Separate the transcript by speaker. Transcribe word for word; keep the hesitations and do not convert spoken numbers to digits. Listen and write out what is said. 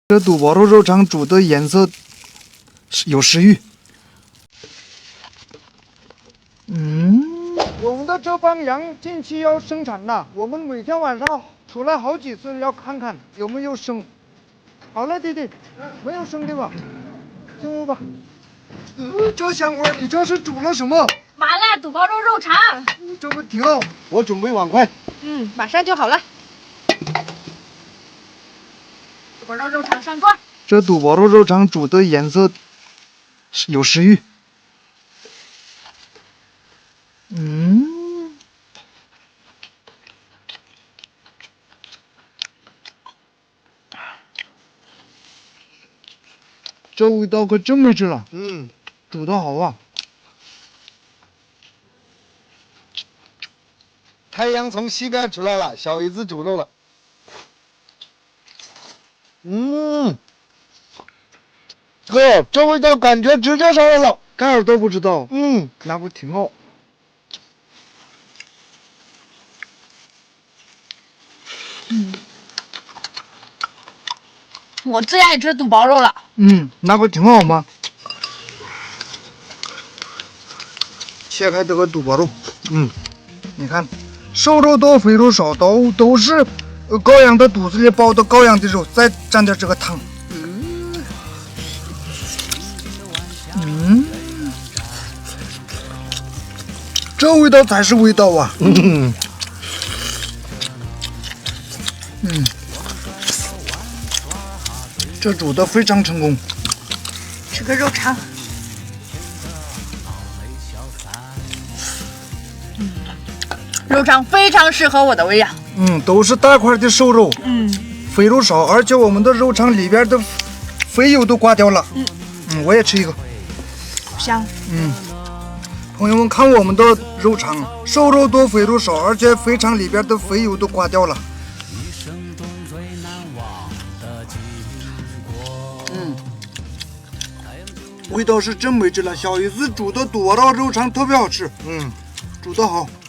Speaker 1: 这肚包肉肉肠煮的颜色有食欲。嗯，我们的这帮羊近期要生产了，我们每天晚上出来好几次，要看看有没有生。好了，弟弟，没有生对吧？进屋吧。呃，这香味，你这是煮了什么？
Speaker 2: 麻辣肚包肉肉肠。
Speaker 1: 这不挺好？我准备碗筷。
Speaker 2: 嗯，马上就好了。肚包肉肉肠上桌。
Speaker 1: 这肚包肉肉肠煮的颜色有食欲。嗯，这味道可真没治了。
Speaker 3: 嗯，
Speaker 1: 煮的好啊！
Speaker 3: 太阳从西边出来了，小姨子煮肉了。嗯，哥，这味道感觉直接上来了。
Speaker 1: 盖尔都不知道，
Speaker 3: 嗯，
Speaker 1: 那不挺好？
Speaker 2: 嗯，我最爱吃肚包肉了。
Speaker 1: 嗯，那不挺好吗？切开这个肚包肉，
Speaker 3: 嗯，
Speaker 1: 你看，瘦肉多，肥肉少，都都是呃羔羊的肚子里包的羔羊的肉，再蘸点这个汤。嗯，这味道才是味道啊！
Speaker 3: 嗯，
Speaker 1: 嗯，这煮的非常成功。
Speaker 2: 吃个肉肠。嗯，肉肠非常适合我的胃呀。
Speaker 1: 嗯，都是大块的瘦肉，
Speaker 2: 嗯，
Speaker 1: 肥肉少，而且我们的肉肠里边的肥油都刮掉了。
Speaker 2: 嗯，
Speaker 1: 嗯，我也吃一个。
Speaker 2: 香。
Speaker 1: 嗯，朋友们看我们的肉肠，瘦肉多，肥肉少，而且肥肠里边的肥油都刮掉了。嗯，味道是真没治了。小姨子煮的肚包肉肉肠特别好吃。
Speaker 3: 嗯，
Speaker 1: 煮得好。